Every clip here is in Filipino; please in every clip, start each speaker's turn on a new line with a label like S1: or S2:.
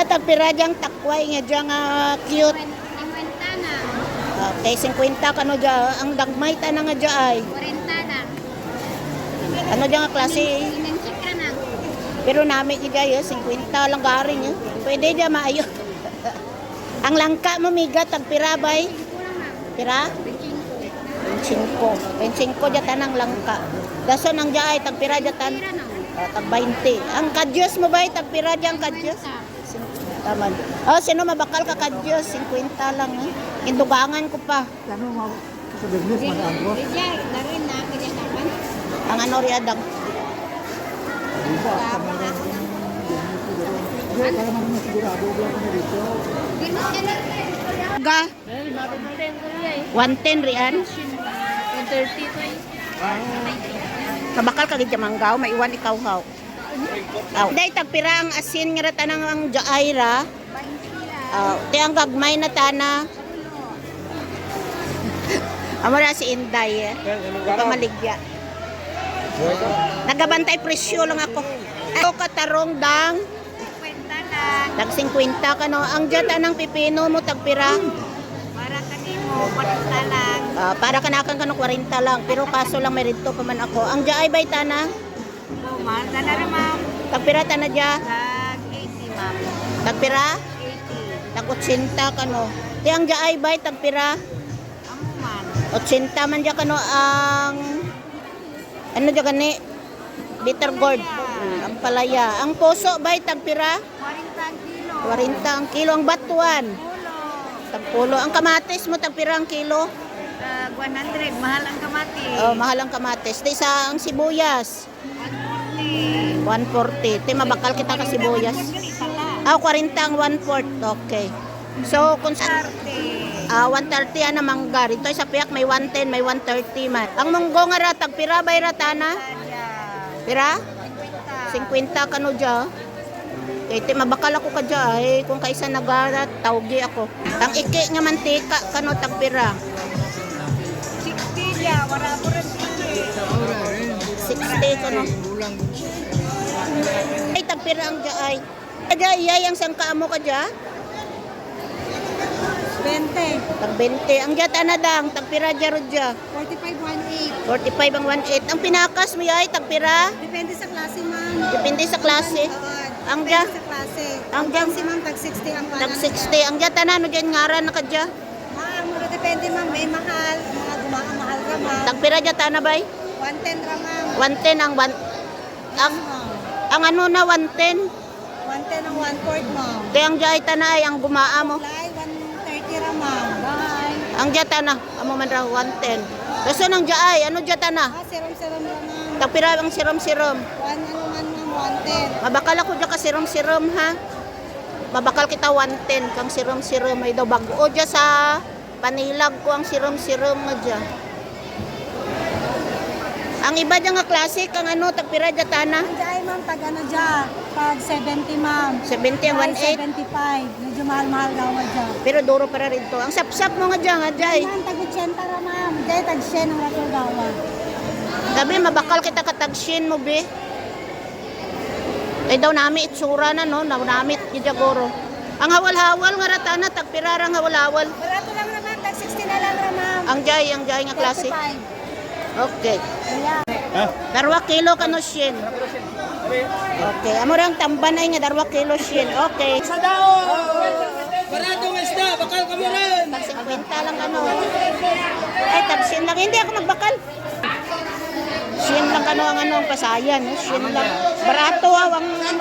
S1: tagpira diyang takway nga diyang cute.
S2: 50 na.
S1: Okay, 50 kano dyan. Ang dagmay ta na nga dyan ay.
S2: 40 na.
S1: Ano dyan nga klase?
S2: Inansik ka na.
S1: Pero namin dyan 50 lang garing. Pwede dyan maayo. Ang langka mo miga, tagpira bay? Pira? 25 dyan tanang langka. Dason ang dyan ay tagpira dyan tan. Tag 20. Ang kadyos mo bay, tagpira dyan kadyos? Taman. Oh, sino mabakal ka kadyos? 50 lang. Indugangan ko pa.
S3: Ano mo sa business madaan ko?
S2: Rizal, darin na. Kaya naman.
S1: Ang ano riadang.
S3: Diba? Kaya man mo sigurado ko ako dito.
S2: Ginot ka na.
S1: Ga? 110 riyan.
S2: 130 to eh.
S1: Kabakal ka gid manggaw, maiwan ikaw haw. Aw. Day tagpira ang asin nga tanang ang jaayra. Ti ang gagmay na tana. Amo na si Inday. Ito maligya. Nagabantay presyo lang ako. Ako katarong dang
S2: 50 lang.
S1: tag 50 kano. Ang jata ng pipino mo tagpira.
S2: Para kanimo, 40 lang.
S1: Para kanakan kano 40 lang. Pero kaso lang may rito pa man ako. Ang jaay bay tana.
S2: Mahal ka na rin, ma'am.
S1: Tagpira tana dya.
S2: Tag 80, ma'am.
S1: Tagpira.
S2: 80.
S1: Tag 80 kano. Di ang jaay bay tagpira.
S2: Amo man.
S1: 80 man dya kano ang ano dya gani? Bitter gourd. Ang palaya. Ang puso bay tagpira.
S2: 40 kilo.
S1: 40 ang kilo. Ang batuan.
S2: Pulo.
S1: Tagpulo. Ang kamatis mo tagpira ang kilo.
S2: Tag 100. Mahal ang kamati.
S1: Oh, mahal ang kamatis. Di sa ang sibuyas. 140. Ti mabakal kita ka sibuyas. Ah, 40 ang 1/4. Okay. So, kung sa 130 na mangga. Ito sa piyak may 110, may 130 man. Ang munggo nga ratag, pira bay ratana? Pira? 50 kano dya. Kaya ti mabakal ako ka dya. Kung kaisa nagarat, tawgi ako. Ang iki nga mantika, kano tagpira?
S2: 60 ya. Wala ko rin
S1: 60 kano. Ay, tagpira ang dya ay. Kadya, iyay ang sangka mo ka dya?
S2: 20.
S1: Tag 20. Ang dya tanadang, tagpira dya ro dya.
S2: 45, 18.
S1: 45 ang 1.8. Ang pinakas mo yay, tagpira?
S2: Depende sa klase, ma'am.
S1: Depende sa klase. Ang dya?
S2: Depende sa klase.
S1: Ang dya?
S2: Si ma'am, tag 60 ang panan.
S1: Tag 60. Ang dya tanan, no dyan ngaran na ka dya?
S2: Mura depende, ma'am. May mahal. Mga mahal ka, ma'am.
S1: Tagpira dya tanabay?
S2: 110 ra, ma'am.
S1: 110 ang ang ano na 110.
S2: 110 ang 1/4, ma'am.
S1: Kaya ang dya ay tanay, ang gumaa mo.
S2: Fly, 130 ra, ma'am. Bye.
S1: Ang dya tana, amo man raw 110. Kaso nang dya ay, ano dya tana?
S2: Serum-serum ra, ma'am.
S1: Tagpira ang sirom-sirom.
S2: Ano man, ma'am, 110.
S1: Mabakal ako dya ka sirom-sirom ha. Mabakal kita 110 kang sirom-sirom. Ay daw bago dya sa panilag ko ang sirom-sirom nga dya. Ang iba dyan nga klase, kang ano, tagpira dya tana.
S2: Ang dyan, ma'am, tag ano dyan? Tag 70, ma'am.
S1: 70 ang 1.8.
S2: 75. Medyo mahal-mahal daw nga dyan.
S1: Pero duro para rin to. Ang sapsap mo nga dyan, nga dyan.
S2: Ma'am, tag 80 ra, ma'am. Dyan, tag 100 ang ratol dawa.
S1: Gabi, mabakal kita katagshin mo, be. Ay daw nami itsura na, no? Nami goro. Ang hawal-hawal nga ratana, tagpirarang hawal-hawal.
S2: Wala to lang naman, tag 60 na lang ra, ma'am.
S1: Ang jay nga klase.
S2: 35.
S1: Okay.
S2: Ayan.
S1: Darwa kilo ka no shin. Okay. Amo rang tamban ay nga darwa kilo shin. Okay.
S4: Sa daon! Baratong isda, bakal ka mo rin!
S1: Tag 50 lang ano. Ay, tag shin lang. Hindi ako magbakal. Shin lang ano ang ano ang pasayan. No? Shin lang. Barato ang ano.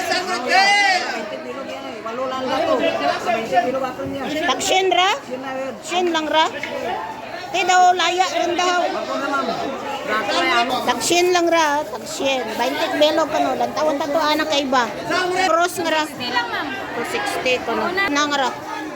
S1: Tag shin ra? Shin lang ra? Di daw laya rin daw. Tagshin lang ra, tagshin. 20 belog kano, lantawan tato anak kay iba. Cross nga ra. 260 kano. Na nga ra.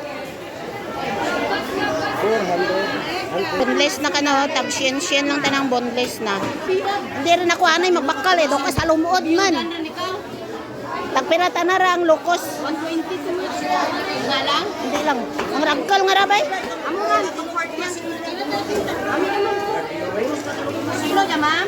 S1: Boneless na kano, tagshin lang tanang boneless na. Hindi rin ako anay magbakal do ka sa lumuod man. Tagpira tanara ang lokos.
S2: 120 nga lang?
S1: Hindi lang. Ang ragkal nga ra bay.
S2: Amo man, 240 yan. Ami naman. Silo niya, ma'am?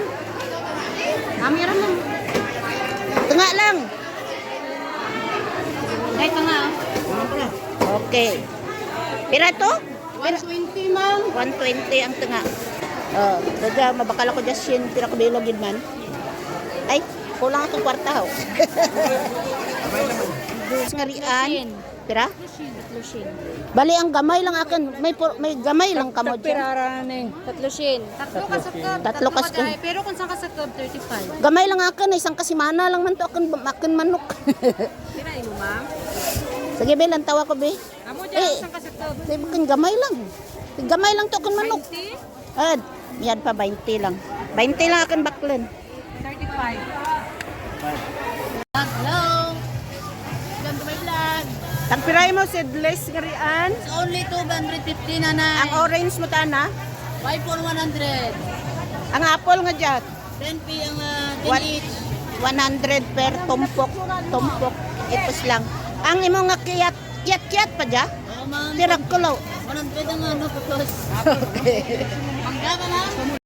S2: Ami naman.
S1: Tunga lang.
S2: Ito nga.
S1: Okay. Pira to?
S2: 120, ma'am.
S1: 120 ang tunga. Oh, daga mabakal ako just yun pira ko bilogid man. Ay, kulang akong kwarta ho. Ngarian. Pira? Bali ang gamay lang akin. May gamay lang kamo dyan.
S2: Tatlo ka sa club.
S1: Tatlo ka sa club.
S2: Pero kung saan ka sa club, 35.
S1: Gamay lang akin, isang kasimana lang man to akin manok.
S2: Kirain mo, ma'am.
S1: Sige be, lang tawa ko be.
S2: Amo dyan, saan ka sa club?
S1: Say bukan gamay lang. Gamay lang to akin manok.
S2: 20?
S1: Ad, yan pa 20 lang. 20 lang akin baklan.
S2: 35. Hello. Welcome to my vlog.
S1: Tagpiray mo seedless ngarian.
S2: It's only 250 na.
S1: Ang orange mo tana.
S2: 5 for 100.
S1: Ang apple nga dyan.
S2: 10p ang 10
S1: What?
S2: each.
S1: 100 per tumpok. Tumpok. Ipos lang. Ang imo nga kiyat pa dyan.
S2: Oo, ma'am.
S1: Tirak ko law.
S2: 100 ang ano, putos.
S1: Okay.
S2: Mangga ka, ma'am.